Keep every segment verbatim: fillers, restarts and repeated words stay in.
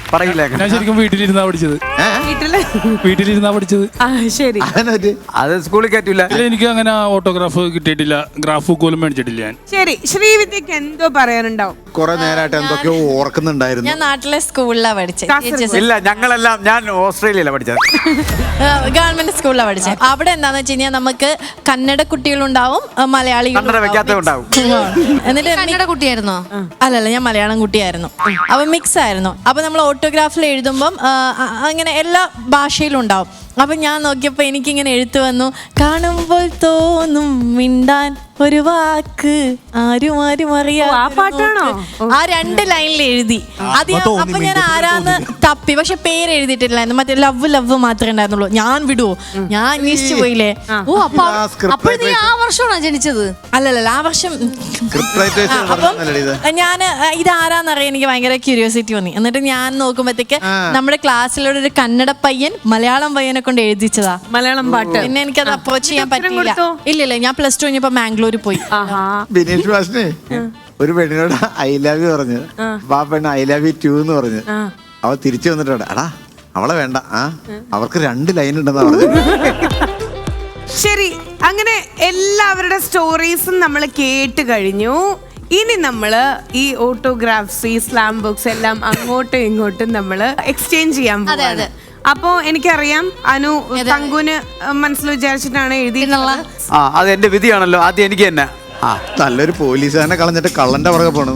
പറയില്ല. ഞാൻ ശരിക്കും വീട്ടിലിരുന്നാ പഠിച്ചത്. വീട്ടില് വീട്ടിലിരുന്നാ പഠിച്ചത്. ശരി, അത് സ്കൂളിൽ കയറ്റൂല. എനിക്ക് അങ്ങനെ ഓട്ടോഗ്രാഫ് കിട്ടിയിട്ടില്ല, ഗ്രാഫ് ബുക്ക് മേടിച്ചിട്ടില്ല ഞാൻ. ശരി, ശ്രീവിദ്യക്ക് എന്തോ പറയാനുണ്ടാവും. കുറെ നേരമായിട്ട് എന്തൊക്കെയോ ഓർക്കുന്നുണ്ടായിരുന്നു. ഞാൻ നാട്ടിലെ സ്കൂളിലാണ് പഠിച്ചത്. ഇല്ല, ഞങ്ങളെല്ലാം ഞാൻ ഓസ്ട്രേലിയയിലാണ് പഠിച്ചത്. ഗവൺമെന്റ് സ്കൂളിലാണ് പഠിച്ചത്. അവിടെ എന്താന്ന് വെച്ച് കഴിഞ്ഞാൽ നമുക്ക് കന്നഡ കുട്ടികളുണ്ടാവും, മലയാളികൾ വെക്കാത്തതുണ്ടാവും. എന്നിട്ട് കന്നഡ കുട്ടിയായിരുന്നോ? അല്ലല്ല, ഞാൻ മലയാളം കുട്ടിയായിരുന്നു. അപ്പൊ മിക്സ് ആയിരുന്നു. അപ്പൊ നമ്മൾ ഓട്ടോഗ്രാഫിൽ എഴുതുമ്പം അങ്ങനെ എല്ലാ ഭാഷയിലും ഉണ്ടാവും. അപ്പൊ ഞാൻ നോക്കിയപ്പോ എനിക്കിങ്ങനെ എഴുത്ത് വന്നു, കാണുമ്പോൾ തോന്നും മിണ്ടാൻ ഒരു വാക്ക് ആരും ആരും അറിയാം. ആ പാട്ടാണോ? ആ രണ്ട് ലൈനിൽ എഴുതി. അത് അപ്പൊ ഞാൻ ആരാന്ന് തപ്പി, പക്ഷെ പേര് എഴുതിയിട്ടില്ലായിരുന്നു. മറ്റേ ലവ് ലവ് മാത്രമേ ഉണ്ടായിരുന്നുള്ളൂ. ഞാൻ വിടുവോ, ഞാൻ അന്വേഷിച്ചു പോയില്ലേ. ഓ, അപ്പൊ അപ്പോൾ നീ ആ വർഷമാണോ ജനിച്ചത്? അല്ലല്ല, ആ വർഷം. അപ്പം ഞാൻ ഇത് ആരാന്നറിയാൻ എനിക്ക് ഭയങ്കര ക്യൂരിയോസിറ്റി തോന്നി. എന്നിട്ട് ഞാൻ നോക്കുമ്പോഴത്തേക്ക് നമ്മുടെ ക്ലാസ്സിലൂടെ ഒരു കന്നഡ പയ്യൻ മലയാളം പയ്യനെ കൊണ്ട് എഴുതിച്ചതാ മലയാളം പാട്ട്. പിന്നെ എനിക്കത് അപ്രോച്ച് ചെയ്യാൻ പറ്റില്ല. ഇല്ലില്ല, ഞാൻ പ്ലസ് ടു കഴിഞ്ഞപ്പോ മാംഗ്ലൂർ പോയി. ബിനീഷ് മാഷിനെ ഒരു പെണ്ണിനോട് ഐ ലവ് യു പറഞ്ഞു. അപ്പൊ ആ പെണ്ണ് ഐ ലവ് യു ടു എന്ന് പറഞ്ഞു. അവ തിരിച്ചു വന്നിട്ടുണ്ട്, എടാ അവളെ വേണ്ട, ആ അവർക്ക് രണ്ട് ലൈൻ ഉണ്ടെന്നാ പറഞ്ഞു. ശരി, അങ്ങനെ എല്ലാവരുടെ സ്റ്റോറീസും നമ്മൾ കേട്ട് കഴിഞ്ഞു. ഇനി നമ്മള് ഈ ഓട്ടോഗ്രാഫ്സ്, ഈ സ്ലാം ബുക്സ് എല്ലാം അങ്ങോട്ടും ഇങ്ങോട്ടും നമ്മള് എക്സ്ചേഞ്ച് ചെയ്യാൻ പോകുന്നത്. അപ്പോ എനിക്കറിയാം അനു തങ്കുന് മനസ്സിൽ വിചാരിച്ചിട്ടാണ് എഴുതിയിട്ടുള്ളത്. ആ, അത് എന്റെ വിധിയാണല്ലോ. ആദ്യം എനിക്ക് തന്നെ. ആ, നല്ലൊരു പോലീസുകാരനെ കളഞ്ഞിട്ട് കള്ളന്റെ പുറകെ പോണു.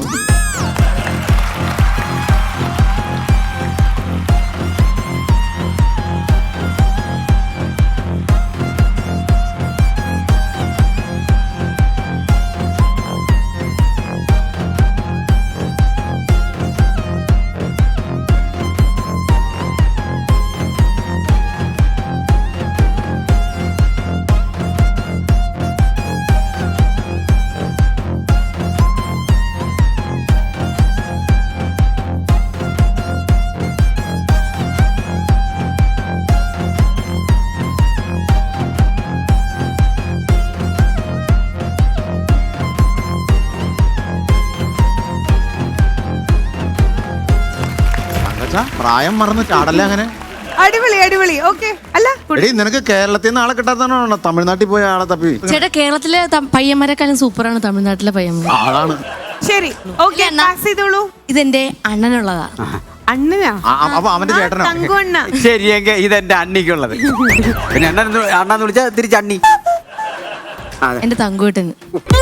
പ്രായം മറന്ന് ചാടല്ല അങ്ങനെ. അടിപൊളി അടിപൊളി. ഓക്കെ, അല്ല എടീ, നിനക്ക് കേരളത്തിൽ നിന്ന് ആളെ കിട്ടാത്തതാണോ തമിഴ്നാട്ടിൽ പോയ ആളെ തപ്പി? ചേട്ടാ, കേരളത്തിലെ പയ്യന്മാരെക്കാളും സൂപ്പറാണ് തമിഴ്നാട്ടിലെ പയ്യന്മാർ. ആളാണ്. ശരി, ഓക്കെ, പാസ് ചെയ്തോളൂ. ഇതെന്റെ അണ്ണനുള്ളതാ. അണ്ണനാ? അപ്പൊ അവന്റെ ചേട്ടനോ? തങ്കു അണ്ണ. ശരി, എങ്കിൽ ഇതെന്റെ അണ്ണിക്കുള്ളത്. പിന്നെ അണ്ണൻ അണ്ണാന്ന് വിളിച്ചാൽ തിരിച്ച് അണ്ണി. എന്റെ തങ്കുവേട്ടന്.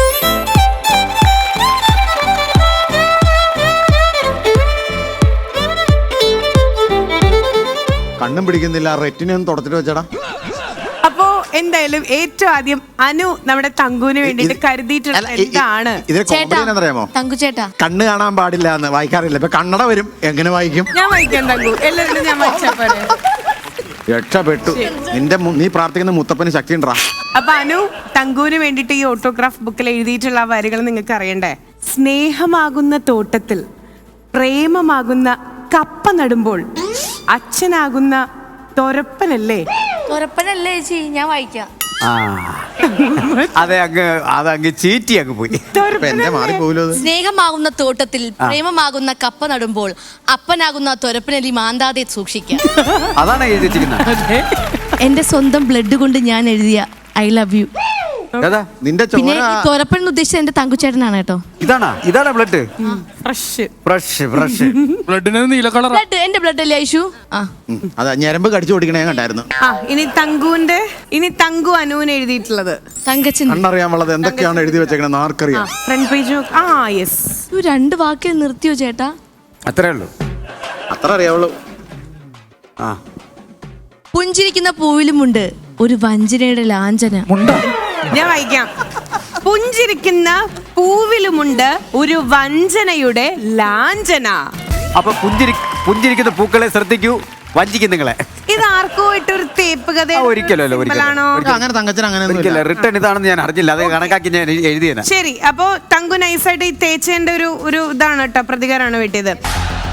കണ്ണും പിടിക്കുന്നില്ല, റെറ്റിനും തുടച്ചിട്ട് വെച്ചടാ. അപ്പോ എന്തായാലും ഏറ്റവും ആദ്യം അനു നമ്മുടെ തങ്കുവിന് വേണ്ടിട്ട് കരുതിയിട്ടുള്ള എന്താണ്? ഇതിന് കോമഡി എന്നറിയാമോ? തങ്കു ചേട്ടാ, കണ്ണ് കാണാൻ പാടില്ല എന്ന് വായിക്കാറില്ല. ഇപ്പൊ കണ്ണട വരും, എങ്ങനെ വായിക്കും? ഞാൻ വായിക്കാം തങ്കു, എല്ലാവരും ഞാൻ വായിച്ചാ പോലെ. രക്ഷപ്പെട്ടു. നിന്റെ നീ പ്രാർത്ഥിക്കുന്ന മുത്തപ്പന് ശക്തി ഉണ്ടാ. അപ്പൊ അനു തങ്കുവിന് വേണ്ടിട്ട് ഈ ഓട്ടോഗ്രാഫ് ബുക്കിൽ എഴുതിയിട്ടുള്ള വരികൾ നിങ്ങൾക്ക് അറിയണ്ടേ? സ്നേഹമാകുന്ന തോട്ടത്തിൽ പ്രേമമാകുന്ന കപ്പ നടുമ്പോൾ അച്ഛനാകുന്ന തൊരപ്പനല്ലേ? തൊരപ്പനല്ലേ ചേച്ചി? ഞാൻ വായിക്കാം. ആ, അതെ, അങ്ങ് അതങ്ങ് ചീറ്റി അങ്ങ് പോയി. എന്റെ മാറി പോലോ. സ്നേഹമാകുന്ന തോട്ടത്തിൽ പ്രേമമാകുന്ന കപ്പ നടുമ്പോൾ അപ്പനാകുന്ന തൊരപ്പനലി മാന്താതെ സൂക്ഷിക്കാം. അതാണ് എഴുതി വെച്ചിരിക്കുന്നത്. എന്റെ സ്വന്തം ബ്ലഡ് കൊണ്ട് ഞാൻ എഴുതിയ ഐ ലവ് യു. നിന്റെ പിന്നെ തൊരപ്പൻ ഉദ്ദേശിച്ചത് എന്റെ തങ്കുച്ചേട്ടനാണ് കേട്ടോ. ഇതാണോ? ഇതാണ് ബ്ലഡ്? ഫ്രഷ് ഫ്രഷ് ഫ്രഷ് ബ്ലഡിന് നീല കളർ. ബ്ലഡ് എന്റെ ബ്ലഡ് അല്ലേ ഐഷു? ആ, അതാ ഞരമ്പ് കടിച്ചു ഓടിക്കണേ കണ്ടായിരുന്നു. ആ, ഇനി തങ്കുവിന്റെ ഇനി തങ്കു അനുവിന് എഴുതിയിട്ടുള്ളത് തങ്കച്ചൻ. കണ്ണറിയാൻ ഉള്ളത് എന്തൊക്കെയാണ് എഴുതി വെച്ചേക്കണെന്ന് ആർക്കറിയാം? Front page. ആ, യെസ്. രണ്ട് വാക്കിൽ നിർത്തിയോ ചേട്ടാ? അത്രേ ഉള്ളൂ. അത്ര അറിയാവുള്ളൂ. ആ, പുഞ്ചിരിക്കുന്ന പൂവിലുമുണ്ട് ഒരു വഞ്ചനയുടെ ലാഞ്ചന. ഞാൻ വായിക്കാം. പുഞ്ചിരിക്കുന്ന പൂവിലുമുണ്ട് ഒരു വഞ്ചനയുടെ ലാഞ്ചന. അപ്പൊ പുഞ്ചിരി പുഞ്ചിരിക്കുന്ന പൂക്കളെ ശ്രദ്ധിക്കൂ, വഞ്ചിക്കും നിങ്ങളെ. ഇത് ആർക്കോ ഇട്ടൊരു തേപ്പ് കഥ? ഒരിക്കലല്ലോ, അങ്ങനെ തങ്കച്ചൻ അങ്ങനെ റിട്ടേൺ ഇതാണെന്ന് ഞാൻ അറിഞ്ഞില്ല. അത് കണക്കാക്കി ഞാൻ എഴുതിയത്. ശരി, അപ്പൊ തങ്കു നൈസായിട്ട് ഈ തേച്ചേന്റെ ഒരു ഒരു ഇതാണ് കേട്ടോ, പ്രതികാരമാണ് വെട്ടിയത്.